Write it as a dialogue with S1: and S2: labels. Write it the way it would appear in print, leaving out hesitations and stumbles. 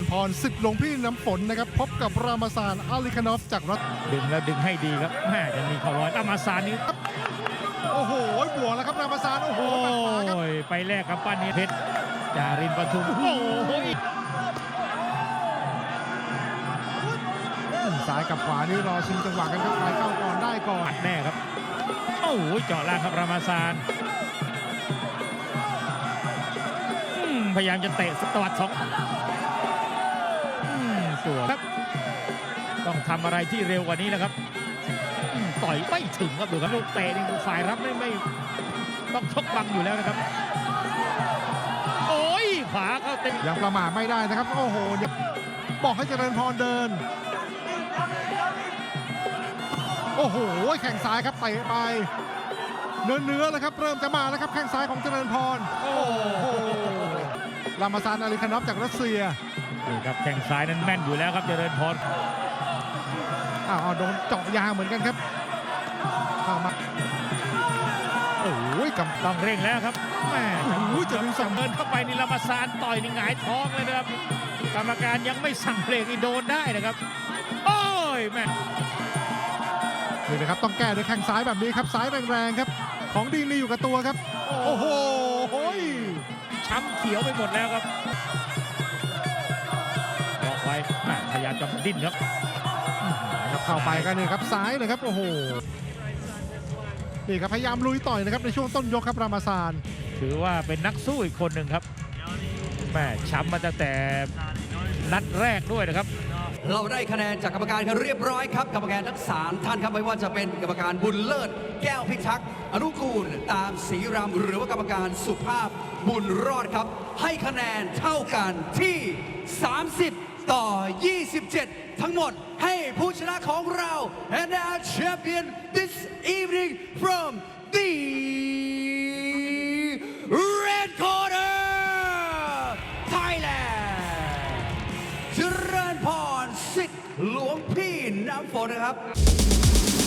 S1: พรศึกหลวงพี่น้ำฝนนะครับพบกับรามาซานอาลิคานอฟจากรัส
S2: ดึงแล้วดึงให้ดีครับแม่จะมีเข่าลอยรามาซานนี้
S1: โอ้โหบวกแล้วครับรามาซานโอ้โห
S2: โอ้ยไปแลกกับปั้นนี้เพชรจารินปทุมโอ้ย
S1: ซ้ายกับขวานี่รอชิงจังหวะกันครับใครเข้าก่อนได้ก่อน
S2: ปัดแน่ครับโอ้ยเจาะล่างครับรามาซานพยายามจะเตะตวัดสองสวยครับต้องทำอะไรที่เร็วกว่านี้นะครับต่อยไม่ถึงครับดูครับลูกเตะนี่ฝ่ายรับไม่ต้องชกบังอยู่แล้วนะครับโอ้ยขวาเข้าเต็ม
S1: ยังประมาทไม่ได้นะครับโอ้โหบอกให้เจริญพรเดินโอ้โหแข่งซ้ายครับเตะไปเนื้อเลยครับเริ่มจะมาแล้วครับแข้งซ้ายของเจริญพรโอ้โหรามาซานอาลิคานอฟจากรัสเซีย
S2: นี่ครับแข้งซ้ายนั้นแม่นอยู่แล้วครับเจริญพร
S1: โดนเจาะยางเหมือนกันครับเข้ามาโอ้ย
S2: ต้องเร่งแล้วครับแม่
S1: จะมีสอง
S2: เดินเข้าไปนี่รามาซานต่อยนี่หงายท้องเลยนะครับกรรมการยังไม่สั่งเบรกนี่โดนได้นะครับโอ้ยแม่
S1: นี่นะครับต้องแก้ด้วยแข้งซ้ายแบบนี้ครับซ้ายแรงๆครับของดีมีอยู่กับตัวครับโอ้โห
S2: ช้ำเขียวไปหมดแล้วครับบอกไว้พยายามจะดิ้นครับ
S1: เข้าไปกันนี่ครับซ้ายเลยครับโอ้โหนี่ครับพยายามลุยต่อยนะครับในช่วงต้นยกครับรามาซาน
S2: ถือว่าเป็นนักสู้อีกคนหนึ่งครับแม่ช้ำมาตั้งแต่นัดแรกด้วยนะครับ
S3: เราได้คะแนนจากกรรมการกันเรียบร้อยครับกรรมการทั้ง3ท่านครับไม่ว่าจะเป็นกรรมการบุญเลิศแก้วพิทักษ์อนุกูลตามศรีรำหรือว่ากรรมการสุภาพบุญรอดครับให้คะแนนเท่ากันที่30 ต่อ 27 ทั้งหมดให้ผู้ชนะของเรา and our champion this evening from the red corner Thailand เจริญพรสิทธิ์หลวงพี่น้ำฝนนะครับ